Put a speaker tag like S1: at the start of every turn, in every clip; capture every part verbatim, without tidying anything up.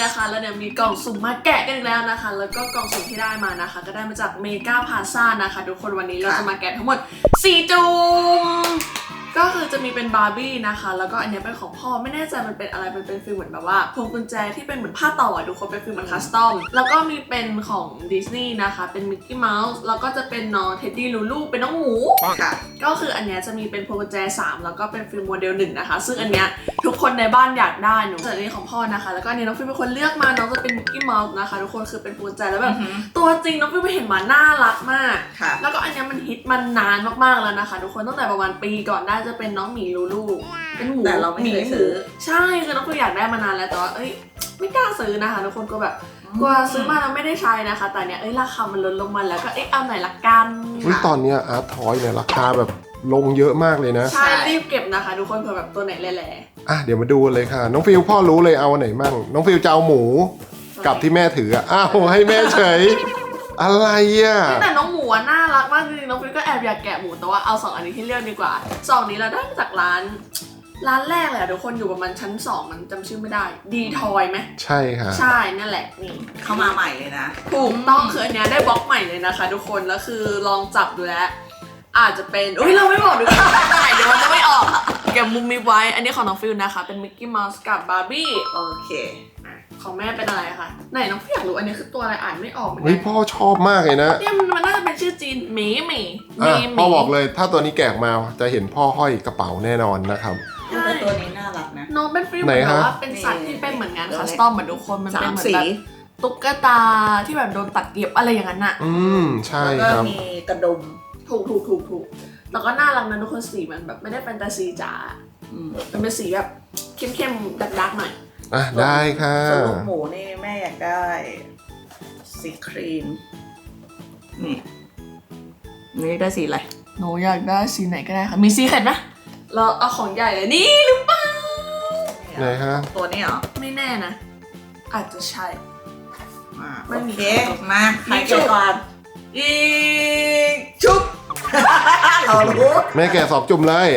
S1: นะคะแล้วเนี่ยมีกล่องสุ่มมาแกะกันอีกแล้วนะคะแล้วก็กล่องสุ่มที่ได้มานะคะก็ได้มาจากเมกาพาซ่านะคะทุกคนวันนี้เราจะมาแกะทั้งหมดสี่จุ่มก็คือจะมีเป็นบาร์บี้นะคะแล้วก็อันนี้เป็นของพ่อไม่แน่ใจมันเป็นอะไรมันเป็นฟีลเหมือนแบบว่าพวงกุญแจที่เป็นเหมือนผ้าต่อทุกคนเป็นฟีลเหมือนคัสตอมแล้วก็มีเป็นของดิสนีย์นะคะเป็นมิกกี้เมาส์แล้วก็จะเป็นน้องเท็ดดี้ลูลูเป็นน้องหมูค่ะก็คืออันนี้จะมีเป็นพวงกุญแจสามแล้วก็เป็นฟีลโมเดลหนึ่งนะคะซึ่งอันเนี้ยทุกคนในบ้านอยากได้หนูส่วนอันนี้ของพ่อนะคะแล้วก็อันนี้น้องฟิลเป็นคนเลือกมาน้องจะเป็นมิกกี้เมาส์นะคะทุกคนคือเป็นพวงกุญแจแล้วแบบตัวจริงน้องฟิลไปเห็นมาน่ารักมากแล้วก็อันนี้มันฮิตมันนานมากๆแล้วนะคะทุกคนตั้งแต่ประมาณปีก่อนได้จะเป็นน้องหมีลูลูเป็นหมู
S2: แต่เราไม่เคยซื้อ
S1: ใช่คือน้องฟิลอยากได้มานานแล้วแต่ว่าเอ้ยไม่กล้าซื้อนะคะทุกคนก็แบบกลัวซื้อมาแล้วไม่ได้ใช้นะคะแต่เนี้ยเอ้ยราคามันลดลงมาแล้วก็เอ๊ะเอาไหนละกัน
S3: ตอนนี้อาร์ตทอยเนี่ยราคาแบบลงเยอะมากเลยนะ
S1: ใช่รีบเก็บนะคะทุกคนเผื่อแบบตัวไหนแหล่
S3: ๆอ่ะเดี๋ยวมาดูเลยค่ะน้องฟิลพ่อรู้เลยเอาไหนมั่งน้องฟิลจะเอาหมูกับที่แม่ถืออ่ะอ้าวให้แม่เฉยอะไรอ่ะ
S1: แต่น้องหมูน่ารักมากจริงๆน้องฟิลก็แอบอยากแกะหมูแต่ว่าเอาสองอันนี้ที่เลือกดีกว่าสองนี้เราได้มาจากร้านร้านแรกเลยอะทุกคนอยู่ประมาณชั้นสองมันจำชื่อไม่ได้ดีทอยไหม
S3: ใช่ค่ะ
S1: ใช่นั่นแหละนี่
S2: เข้ามาใหม่เลยนะ
S1: ถูกต้องคืออันเนี้ยได้บล็อกใหม่เลยนะคะทุกคนแล้วคือลองจับดูแล้วอาจจะเป็นอุ้ยเราไม่บอกดีกว่าเดี๋ยวมันจะไม่ออกเก็บมุมมีไว้อันนี้ของน้องฟิลนะคะเป็นมิกกี้เมาส์กับบาร์บี้
S2: โอเค
S1: ของแม่เป็นอะไรคะไหนน้องฟิลอยากรู้อันนี้คือตัวอะไรอ่านไม่ออกเหมือนกั
S3: นเฮ้ยพ่อชอบมากเลยนะ
S1: เนี่ยมันน่าจะเป็นชื่อจีนหมีหมี
S3: อ่ะพ่อบอกเลยถ้าตัวนี้แกะมาจะเห็นพ่อห้อยกระเป๋าแน่นอนนะครับ
S2: แต่ตัวนี้น่ารักนะ
S1: น้องเป็นฟิลเหมือนแบบว่าเป็นสัตว์ที่เป็นเหมือนงานคัสตอมเหมือนทุกคนมันเป็นเหมือนแบบตุ๊กตาที่แบบโดนตัดเย็บอะไรอย่างนั้นอ่ะ
S3: อืมใช่
S2: ค
S3: รับ
S2: แล้วก็มีกระดุม
S1: ถูกถูกถูกถูกแล้วก็น่ารักนะทุกคนสีมันแบบไม่ได้แฟนตาซีจ๋ามันเป็นสีแบบเข้มๆดักๆหน่อย
S3: อ่ะได้ค่ะ
S2: ส่วนลูกหมูนี่แม่อยากได้สีครีมนี่นี่ได้สีอะไร
S1: หนูอยากได้สีไหนก็ได้ค่ะมีสีเข็ดไหมเราเอาของใหญ่เลยนี่หรือเปล่า
S3: ไหนฮะ
S2: ตัวนี้เหรอ
S1: ไม่แน่นะอาจจะใช่
S2: โอเคมาใครเก็บก่อนอีชุบเรารู้
S3: แม่แกะสอบจุ่มเลย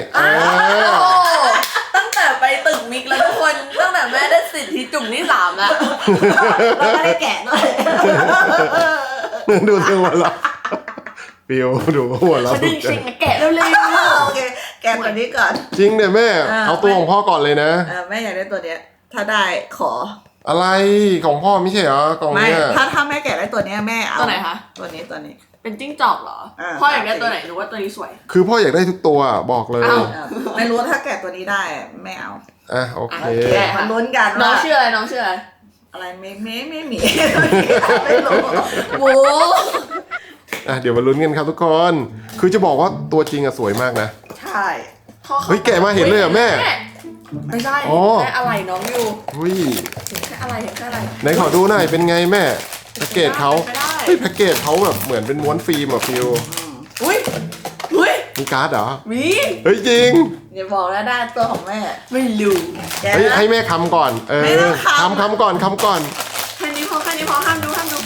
S1: ตั้งแต่ไปตึกมิกแล้วทุกคนตั้งแต่แม่ได้สิทธิจุ่มที่สามแล้ว
S2: เราไม่ได้แกะด้วย
S3: ดูตัวเราฟิวดูหัวเรา
S1: จริงจริงแกะเร็วๆ
S2: โอเคแกะตัวนี้ก่อน
S3: จริงเนี่ยแม่เอาตัวของพ่อก่อนเลยนะ
S2: แม่อยากได้ตัวเนี้ยถ้าได้ขอ
S3: อะไรของพ่อไม่ใช่เหรอกล่องเนี้ย
S2: ถ้าถ้าแม่แกะได้ตัวนี้แม่เอา
S1: ตัวไหนคะ
S2: ตัวนี้ตัวนี้
S1: เป็นจิ้งจอกเหรอพ่ออยากได้ตัวไหนหรือว่าตัวนี้สวย
S3: คือพ่ออยากได้ทุกตัวบอกเลย
S2: ไม่รู้ถ้าแกะตัวนี้ได้ไม่เอา
S3: อ่ะโอเค
S2: มาลุ้นกัน
S1: น้องชื่ออะไรน้องชื่ออะไร
S2: อะไรไม่ไม่ไม่มีไม่รู้
S1: โว้
S3: อ่ะเดี๋ยวมาลุ้นกันครับทุกคนคือจะบอกว่าตัวจริงอะสวยมากนะ
S2: ใช่
S3: เฮ้ยแกะมาเห็นเลยเหรอแม่
S1: ไม่ใช่แค่อะไรน้องอยู่
S3: อุ้ย
S1: แค่อะไรแค่อะไร
S3: ไหนขอดูหน่อยเป็นไงแม่แพ็กเกจเขาเฮ้ยแพ็กเกจเขาแบบเหมือนเป็นม้วนฟิล์มอะฟิว
S1: อุ้ยอุ้ย
S3: มีการ์ดเหรอ
S1: มี
S3: เฮ้ยจริง
S2: อย่าบอกนะได้ตัวของแม่
S1: ไม่รู้
S3: เฮ้ยให้แม่คำก่อนเออคำคำก่อนคำก่อน
S1: แค่นี้พอแค่นี้พอห้ามดูห้ามดู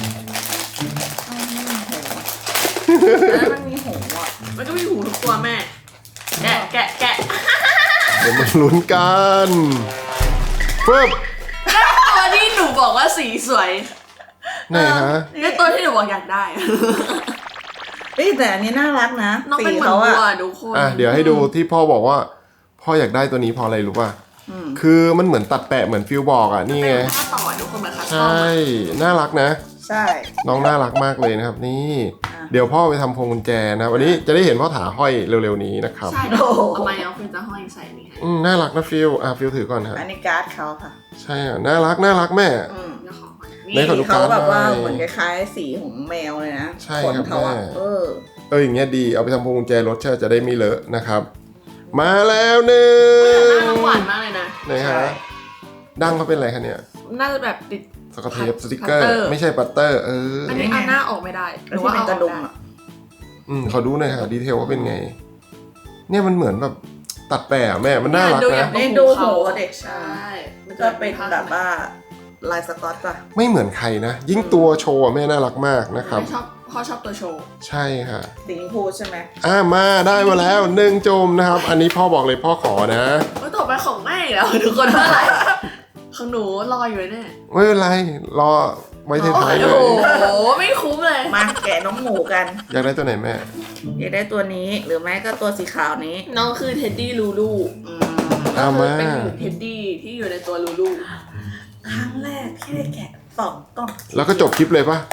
S2: แล้วมันมีหูอ่ะ
S1: มันก็มีหูทุกตัวแม่แกะแกะแกะ
S3: เดี๋ยวมาลุ้นกันปึ๊บ
S1: ตัวที่หนูบอกว่าสีสวย
S3: ไหนฮะ
S1: นี่ตัวที่หนูบอกอยากได้
S2: เฮ้ยแต่อันนี้น่ารักนะ
S1: น้องเป็นเหมือนวัวทุกคน
S3: อ่ะเดี๋ยวให้ดูที่พ่อบอกว่าพ่ออยากได้ตัวนี้เพราะอะไรรู้ป่ะคือมันเหมือนตัดแปะเหมือนฟิวบอกอ่ะนี่ไง
S1: ต่อทุกคนเหมือนคัสตอม
S3: ใช่น่ารักนะ
S2: ใช่
S3: น้องน่ารักมากเลยนะครับนี่เดี๋ยวพ่อไปทำพวงกุญแจนะวันนี้จะได้เห็นพ่อถาห้อยเร็วๆนี้นะครับ
S1: ใช่ทำไมน้องฟิวจะห้อยใส่นี่
S3: อืมน่ารักนะฟิวอ่ะฟิวถือก่อนครับ
S2: อันนี้การ์ดเขาค่ะ
S3: ใช่อ่ะน่ารักน่ารักแม่
S2: นี่เขาแบบว่าเหมือนคล้ายๆสีของแมวเลยนะ
S3: ใช่ครับแม่
S2: เออ
S3: เอออย่างเงี้ยดีเอาไปทำพวงกุญแจรถเชื่อจะได้ไม่เลอะนะครับมาแล้วหนึ่ง
S1: น่าหวานมากเลยนะ
S3: ไหนฮะดั้งเขาเป็นอะไรคะเนี่ย
S1: น่าจะแบบติด
S3: สกอตเทปสติกเกอร์ไม่ใช่ปัตเตอร์เออ
S1: อันนี้เอาหน้าออกไม่ได้หรือว่าเอากระดุมอ่ะ
S3: อืมขอดูหน่อยค่ะดีเทลว่าเป็นไงเนี่ยมันเหมือนแบบตัดแปะแม่มันน่ารักนะ
S2: นี่ดูหูเด็กใช่มันจะเป็นแบบว่าลายสก๊อตป่ะ
S3: ไม่เหมือนใครนะยิ่งตัวโชว์แม่น่ารักมากนะครับ
S1: ชอบพ่อชอบตัวโชว์
S3: ใช่ค่ะ
S2: สีชมพูใช่ไหม
S3: อ่ามาได้มาแล้วหนึ่งจมนะครับอันนี้พ่อบอกเลยพ่อขอนะ
S1: ต่อไปของแม่แล้วทุกคนเท่าไหร่ของหนูรออยู่เนี่ย
S3: ไม่เป็นไรรอไว้ท้ายๆเล
S1: โอ้
S3: ย
S1: โหไม่คุ้มเลย
S2: มาแกะน้องหมูกัน
S3: อยากได้ตัวไหนแม่
S2: อยากได้ตัวนี้หรือไม่ก็ตัวสีขาวนี้
S1: น้องคือเท็ดดี้ลูลู
S2: อืม
S3: เอามา
S1: เป็นหนูเท็ดดี้ที่อยู่ในตัวลูลู
S2: ครั้งแรกที่ได้แกะสองกล่อง
S3: แล้วก็จบคลิปเลยปะ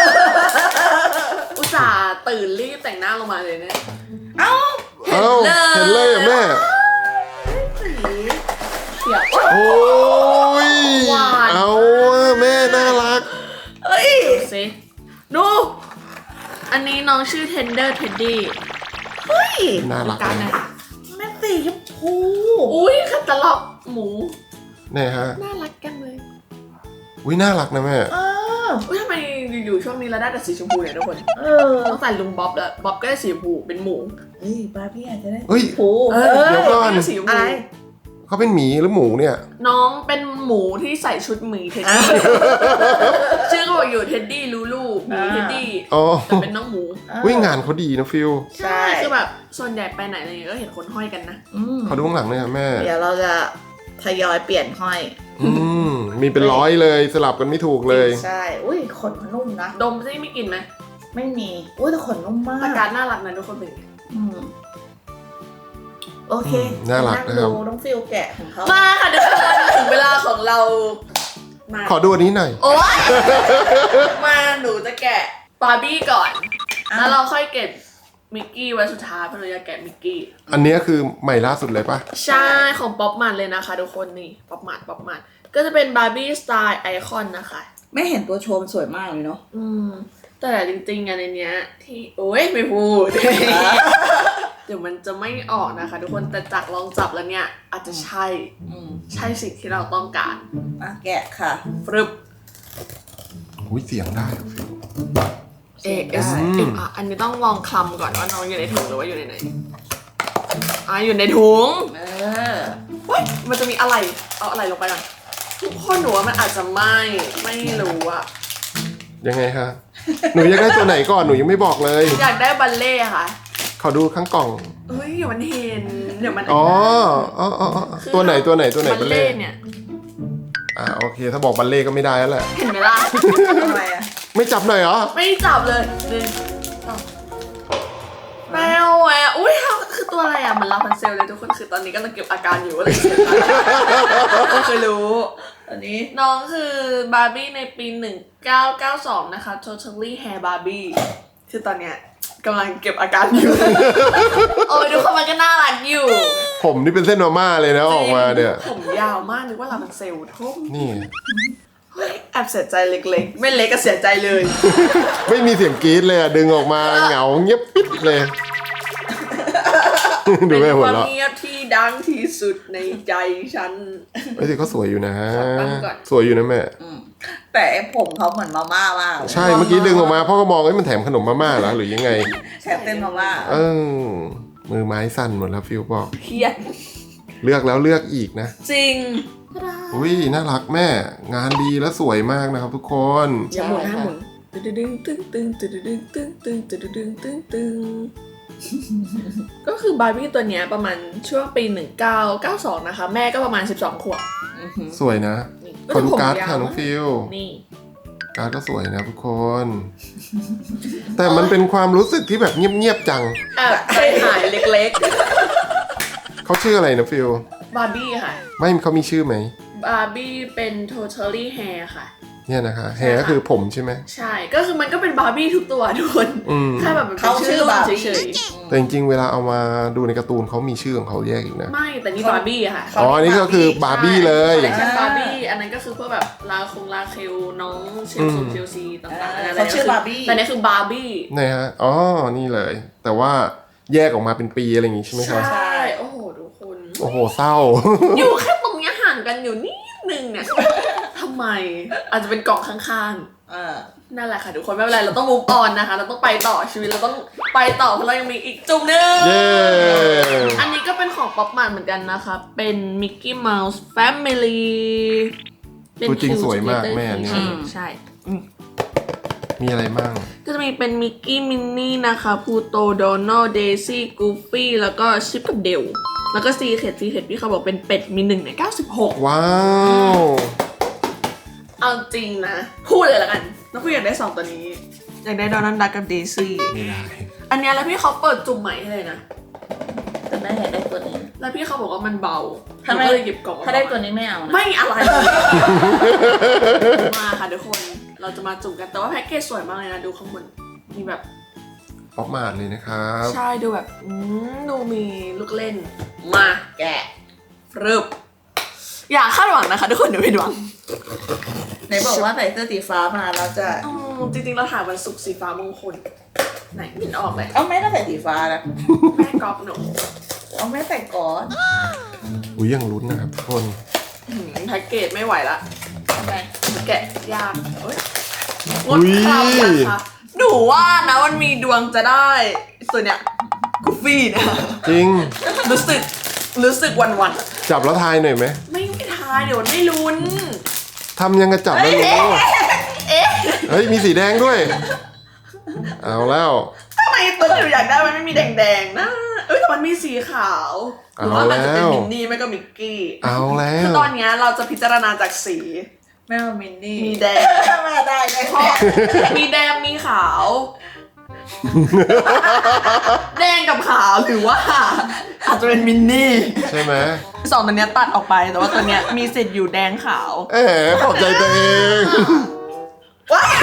S1: อุตส่าห์ตื่นรีบแต่งหน้าลงมาเลยเนี่ย
S2: เอ้า
S3: เอ้าเห็นเลยเหรอ่ะแม่
S1: เขียว
S3: โอ้ย
S1: หวาน
S3: เอาอะแม่น่ารัก
S2: เอ้ย
S1: ดูสิดูอันนี้น้องชื่อ Tender Teddy
S2: เฮ้ย
S3: น่ารัก
S1: การไหน
S3: นะ
S2: แม่สีชมพู
S1: อุ้ยคัตตาล็อกหมู
S3: เนี่ยฮะ
S1: น่ารักกันเลย
S3: อุ้ยน่ารักนะแม่
S2: เออ
S1: อุ้ยทำไมอยู่ๆช่วงนี้เราได้แต่สีชมพูเนี่ยทุกคน
S2: เออ
S1: ต้องใส่ลุงบ๊อบแล้วบ๊อบก็ได้สีชมพูเป็นหมู
S2: เฮ้ยบาร์บี้อาจจะได้
S3: เฮ้ย
S2: ชมพู
S1: เออ
S3: เดี๋ยวก่อน
S1: ได้สีชมพู
S2: อะไร
S3: เขาเป็นหมีหรือหมูเนี่ย
S1: น้องเป็นหมูที่ใส่ชุดหมีเท็ดดี้ชื่อก็บอกอยู่เท็ดดี้ลูลูหมีเท็ดดี้
S3: อ๋อ
S1: แต่เป็นน้องหมู
S3: วิ่งงานเขาดีนะฟิล
S2: ใช่
S1: คือแบบส่วนใหญ่ไปไหนอะไรเงี้ยก็เห็นคนห้อยกันนะ
S2: อืม
S3: เขาดูข้างหลังเลยค่ะแม่
S2: เดี๋ยวเราจะทยอยเปลี่ยนห้อย
S3: อืมมีเป็นร้อยเลยสลับกันไม่ถูกเลย
S2: ใช่ อุ้ยขนมันนุ่มนะ
S1: ดมซิไม่กินไหม
S2: ไม่มี อุ้ยแต่ขนนุ่มมาก
S1: ตาการน่ารักนะทุกคนเป็นไง
S2: อืมโอเค
S3: อืมน่ารักนะครับ
S2: งดูน้องฟิลแกะของเขา
S1: มาค่ะทุกคนถึงเวลาของเรามา
S3: ขอดูอันนี้หน่อย
S1: โอ๊ยมาหนูจะแกะบาร์บี้ก่อน แล้วเราค่อยเก็บมิกกี้ไว้สุดท้ายเพราะเราจะแกะมิกกี้
S3: อันเนี้ยคือใหม่ล่าสุดเลยปะ
S1: ใช่ของป๊อปมันเลยนะคะทุกคนนี่ป๊อปมันป๊อปมันก็จะเป็นบาร์บี้สไตล์ไอคอนนะคะ
S2: ไม่เห็นตัวโชว์มันสวยมากเลยเนาะ
S1: อืมแต่จริงๆอันในเนี้ยที่โอ้ยไม่พูด เดี๋ยวมันจะไม่ออกนะคะ ทุกคนแต่จากลองจับแล้วเนี่ยอาจจะใช่
S2: อืม
S1: ใช่สิ่งที่เราต้องการ
S2: อ่ะแกะค่ะ
S1: ฟรึบ
S3: อุ้ยเสียงได้อะฟิล
S1: เอเอส
S3: อืม
S1: เอ็มอ่ะอันนี้ต้องลองคลำก่อนว่าน้องอยู่ในถุงหรือว่าอยู่ในไหนอ่ะอยู่ในถุง
S2: เออ
S1: เฮ้ยมันจะมีอะไรเอาอะไรลงไปก่อนทุกคนหนูว่ามันอาจจะไม่ไม่รู้อะ
S3: ยังไงคะหนูอยากได้ตัวไหนก่อนหนูยังไม่บอกเลย
S1: อยากได้บัลเล่ต์ค่ะ
S3: ขอดูข้างกล่อง
S1: เฮ้ยเดี๋ยวมันเห็นเดี๋ยวมัน
S3: อ๋ออ๋ออ๋ออ๋อ
S1: คือ
S3: ตัวไหนตัวไหนตัวไหน
S1: บั
S3: บั
S1: ล
S3: ล
S1: เล่
S3: เล่
S1: ต์เนี่ย
S3: อ่าโอเค ถ้าบอกบัลเล่ก็ไม่ได้แล้วแหละ
S1: เห็นไหมล่ะ
S2: ทำไมอ่ะ
S3: ไม่จับหน่อยเหรอ
S1: ไม่จับเลยหนึ่งสองแมวแหวะอุ้ยคือตัวอะไรอ่ะ มันลาพันเซลเลยทุกคนคือตอนนี้กำลังเก็บอาการอยู่อะไรไม่เคยรู้
S2: อันนี้
S1: น้องคือบาร์บี้ในปีหนึ่งเก้าเก้าสองนะคะ Totally Hair Barbie คือตอนเนี้ยกำลังเก็บอาการอยู่ โอ้ยทุกคนมันก็น่ารักอยู่
S3: ผมนี่เป็นเส้นมาม่าเลยนะออกมาเนี่ย
S1: ผมยาวมากนึกว่าลาพันเซลทุ่ม
S3: นี่
S1: เฮ้ยแอบเสียใจเล็กๆ ไม่เล็กก็เสียใจเลย
S3: ไม่มีเสียงกรี๊ดเลยอะดึงออกมาเหงาเงียบปิดเลย ดู
S1: เป็น
S3: แม่
S1: ค
S3: หัว
S1: วาม
S3: เราะ
S1: เงียบที่ดังที่สุดในใจฉัน
S3: ไอ้สิเขาสวยอยู่นะ
S1: ขอตั้งก่อน
S3: สวยอยู่นะแม่
S2: อืมแต่ไอ้ผมเขาเหมือนมาม่ามากเลย
S3: ใช่เมื่อกี้ดึงออกมาพ่อก็มองไอ้ยมันแถมขนมมาม่าเหรอหรือยังไง
S2: แถมเป็นมาม่า
S3: เออมือไม้สั่นหมดแล้วฟิวบอก
S1: เครียด
S3: เลือกแล้วเลือกอีกนะ
S1: จริง
S3: อุ้ยน่ารักแม่ งานดีและสวยมากนะครับทุกคน
S1: อย่าหมุนห้าหมุนตึ้งตึ้งตึ้งตึ้งตึ้งตึ้งตึ้งตึ้งตึ้งตึ้งตึ้งตึ้งก็คือบาร์บี้ตัวเนี้ยประมาณช่วงปีหนึ่งเก้าเก้าสองนะคะ แม่ก็ประมาณสิบสองขวบ
S2: อือหือ
S3: สวยนะ
S1: นี่
S3: ขอดูการ์ด
S1: ผมยาว
S3: ค่ะน้องฟิว
S1: นี่
S3: การ์ดก็สวยนะทุกคน แต่มันเป็นความรู้สึกที่แบบเงียบๆจัง
S1: แอบใจหายเล็ก
S3: เขาชื่ออะไรนะฟิว
S1: ๆ บาร์บี้ค่ะ
S3: ไม่เขามีชื่อไหม
S1: บาร์บี้เป็น totally hair ค่ะ
S3: เนี่ยนะคะแฮร์ก็คือผมใช่ไหม
S1: ใช่ ก็คือมันก็เป็นบาร์บี้ทุกตัวทุกคน
S3: อืม
S1: แค่แบบมันเป็น
S2: เขาชื่
S1: ชื่
S2: อ
S1: อ
S2: บาร์
S1: เฉ
S2: บี้
S1: ย
S3: แต่จริงๆเวลาเอามาดูในการ์ตูนเขามีชื่อของเขาแยกอีกนะ
S1: ๆ ไม่ แต่นี่บาร์บี้อะค่ะ
S3: อ๋ออันนี้ก็คือบาร์บี้เลย
S1: คอลเลคชันบาร์บี้ อันนั้นก็คือพวกแบบลาคงลาเคลน้องเชลซีเชลซีต่างๆ
S2: อ่า
S1: อันนั้น
S2: เขาชื่อบาร์บี้
S1: แต่นี่คือบาร์บี้
S3: ไหนฮะ อ๋อ นี่เลย แต่ว่าแยกออกมาเป็นปีอะไรอย่างงี้ใช่ไหม
S1: ใช
S3: คะ
S1: ่ โอ้โหทุกคน
S3: โอ้โห เศร้า
S1: อยู่แค่ตรงเนี้ยห่างกันอยู่นิดนึงเนี่ยทำไม อาจจะเป็นกล่องข้าง
S2: อ่า
S1: ๆ นั่นแหละค่ะทุกคนไม่เป็นไรเราต้อง move on นะคะ เราต้องไปต่อชีวิตเราต้องไปต่อเพราะเรายังมีอีกจุ่มหนึง
S3: เย้
S1: อันนี้ก็เป็นของป๊อปมันเหมือนกันนะคะ เป็น Mickey Mouse Family เป็น
S3: ตัวจริง
S1: Q
S3: สวยมาก
S1: Together
S3: แม่เนี่ย
S1: อืมใช่
S3: มีอะไรบ้าง
S1: ก็จะมีเป็นมิกกี้มินนี่นะคะพูโตโดนัลเดซี่กูฟี่แล้วก็ชิปกับเดลแล้วก็ซีเค็ดซีเค็ดพี่เขาบอกเป็นเป็ดมีหนึ่งในเก้าสิบหก
S3: ว้าว
S1: เอาจริงนะ พูดเลยละกันน้องพี่อยากได้สองตัวนี้ อยากได้ดอนัลดักกับเดซี่
S3: ไม่ได้
S1: อันเนี้ยแล้วพี่เขาเปิดจุ่มใหม่ให้เลยนะ
S2: แต่แม่อยากได้ตัวนี้
S1: แล้วพี่เขาบอกว่ามันเบา
S2: ถ้าไม่
S1: หนูก็เลยหยิบกล่อง
S2: ถ้าได้ตัวนี้ไม่เอานะ
S1: ไม่อะไร มาค่ะทุกคนเราจะมาจุ่มกันแต่ว่าแพ็กเกจสวยมากเลยนะดูข้างบนมีแบบ
S3: ป๊อปมาดเลยนะครับ
S1: ใช่ดูแบบอืมดูมีลูกเล่นมาแกะรึบอย่าคาดหวังนะคะทุกคนเดี๋ยวผิดหวัง
S2: ไหนบอกว่าใส่เสื้อสีฟ้ามาเราจะ
S1: อืมจริงๆเราถ่ายวันศุกร์สีฟ้ามงคลไหนไม่เห็นออกเลย
S2: เอาแม่ก็ใส่สีฟ้านะ
S1: แม่ก๊อฟหนู
S2: เอาแม่ใส่ก่อน
S3: อุ้ยยังลุ้นนะครับทุกคน
S1: อืมแพ็กเกจไม่ไหวละ
S2: ทำไม
S1: แกะยากเอ้ยงดคราวนะคะหนูว่านะมันมีดวงจะได้ตัวเนี้ยกูฟี่นะ
S3: จริง
S1: รู้สึกรู้สึกวันวัน
S3: จับแล้วทายหน่อยไหม
S1: ๆไม่ไม่ทายเดี๋ยวมันไม่ลุ้น
S3: ทำยังกระจับแล้วรู้เฮ้ย มีสีแดงด้วย เอาแล้ว
S1: ทำไมตัวที่หนูอยากได้มันไม่มีแดงๆนะเอ้ยแต่มันมีสีขาวหรือว่ามันจะเป็นมินนี่ไม่ก็มิกกี้
S3: เอาแล้
S1: คือ
S3: ว
S1: ตอนเนี้ยเราจะพิจารณาจากสี
S2: แม่เอามินนี่
S1: มีแดง
S2: แม่ได้ได้
S1: เพราะมีแดงมีขาว แดงกับขาวหรือว่า อาจจะเป็นมินนี่
S3: ใช่ไหม
S1: สองตัวเนี้ยตัดออกไปแต่ว่าตัวเนี้ยมีสิทธิ์อยู่แดงขาว
S3: เอ๋ขอบใจตัวเอง
S1: ว้าย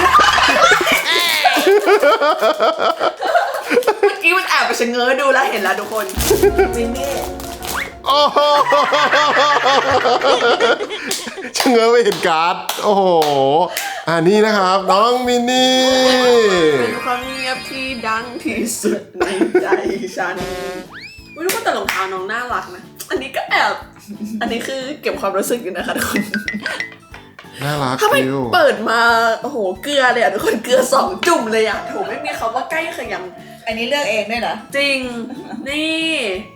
S1: เมื่อกี้มันแอบไปชะเง้อดูแล้วเห็นแล้วทุกคน
S2: มินนี่
S3: โอ้โหชะเง้อไปเห็นการ์ด โอ้โห อ่านี่นะครับ น้องมินนี่
S1: เป็นความเงียบที่ดังที่สุดในใจฉันไม่รู้ว่าแต่รองเท้าน้องน่ารักนะ อันนี้ก็แอบ อันนี้คือเก็บความรู้สึกอยู่นะคะทุกคน
S3: น่ารัก
S1: ถ้าไม่
S3: ฟิว
S1: เปิดมาโอ้โหเกลือเลยอ่ะทุกคนเกลือสองจุ่มเลยอ่ะโถไม่มีคำว่าใกล้เขย
S2: อันนี้เลือกเองด้วยเหรอ
S1: ำจริง นี่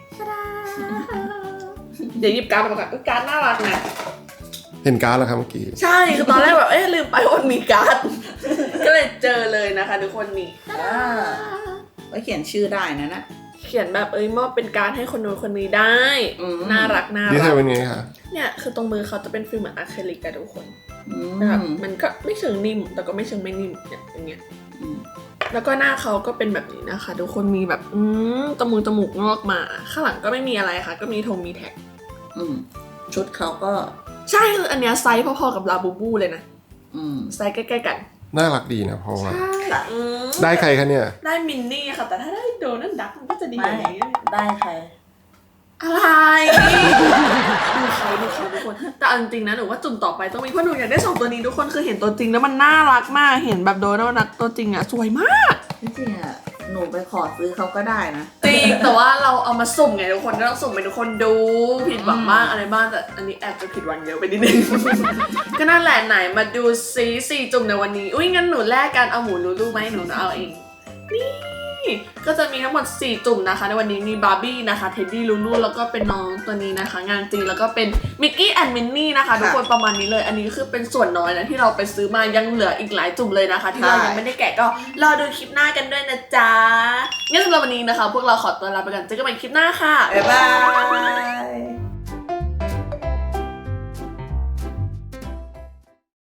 S1: เดี๋ยวหยิบการ์ดมาก่อนอุ๊ยการ์ดน่ารักนะ
S3: เห็นการ์ดแล้วครับเมื่อกี้
S1: ใช่คือตอนแรกแบบเอ๊ะลืมไปว่ามีการ์ด ก็เลยเจอเลยนะคะทุกคนนี่
S2: อ่าไว้เขียนชื่อได้นะนะ
S1: เขียนแบบเอ้ยมอบเป็นการ์ดให้คนนู้นคนนี้ได้
S2: อืม
S1: น่ารักน่า
S3: นี่
S1: รั
S3: ใช่
S1: ก
S3: เป็นไงคะ
S1: เนี่ยคือตรงมือเขาจะเป็นฟิลเหมือนอะคริลิกอะทุกคน
S2: อืม
S1: แบบมันก็ไม่เชิงนิ่มแต่ก็ไม่เชิงไม่นิ่มเนี่ยอย่างเงี้ย
S2: อืม
S1: แล้วก็หน้าเขาก็เป็นแบบนี้นะคะทุกคนมีแบบอืมจมูกจมูกงอกมาข้างหลังก็ไม่มีอะไรค่ะก็มีธงมีแท็ก
S2: อืมชุดเขาก็
S1: ใช่คืออันเนี้ยไซส์พอๆกับลาบูบูเลยนะ
S2: อืม
S1: ไซส์ใกล้ๆกัน
S3: น่ารักดีนะเพราะว่า
S1: ใช่อืม
S3: ได้ใครคะเนี่ย
S1: ได้มินนี่ค่ะแต่ถ้าได้โดนัลดักมันก็จะดีก
S2: ไม่
S1: ว่านี้
S2: ได้ใคร
S1: อะไรดูเขาดูเขาทุกคนแต่เอาจริงๆนะหนูว่าจุ่มต่อไปต้องมีเพราะหนูอยากได้สองตัวนี้ทุกคนคือเห็นตัวจริงแล้วมันน่ารักมากเห็นแบบโดนัลดักตัวจริงอะสวยมาก
S2: จริงๆอ่ะ หนูไปขอซื้อเขาก็ได้นะ
S1: จริงแต่ว่าเราเอามาสุ่มไงทุกคนก็ต้องสุ่มให้ทุกคนดูผิดหวังบ้างอะไรบ้างแต่อันนี้แอบจะผิดหวังเยอะไปนิดนึง ก็นั่นแหละไหนมาดูซีสี่จุ่มในวันนี้อุ้ยงั้นหนูแลกกันเอาหมูลูลูไหมหนูเอาเองนี่ก็จะมีทั้งหมดสี่จุ่มนะคะในวันนี้มีบาร์บี้นะคะเท็ดดี้ลูลูแล้วก็เป็นน้องตัวนี้นะคะ งานจริงแล้วก็เป็นมิกกี้แอนด์มินนี่นะคะทุกคนประมาณนี้เลยอันนี้คือเป็นส่วนน้อยนะที่เราไปซื้อมายังเหลืออีกหลายจุ่มเลยนะคะ ที่เรายังไม่ได้แกะก็รอดูคลิปหน้ากันด้วยนะจ๊ะงั้นสำหรับวันนี้นะคะ พวกเราขอตัวลาไปก่อนเจอกันใหม่คลิปหน้าค่ะ
S2: บ๊ายบาย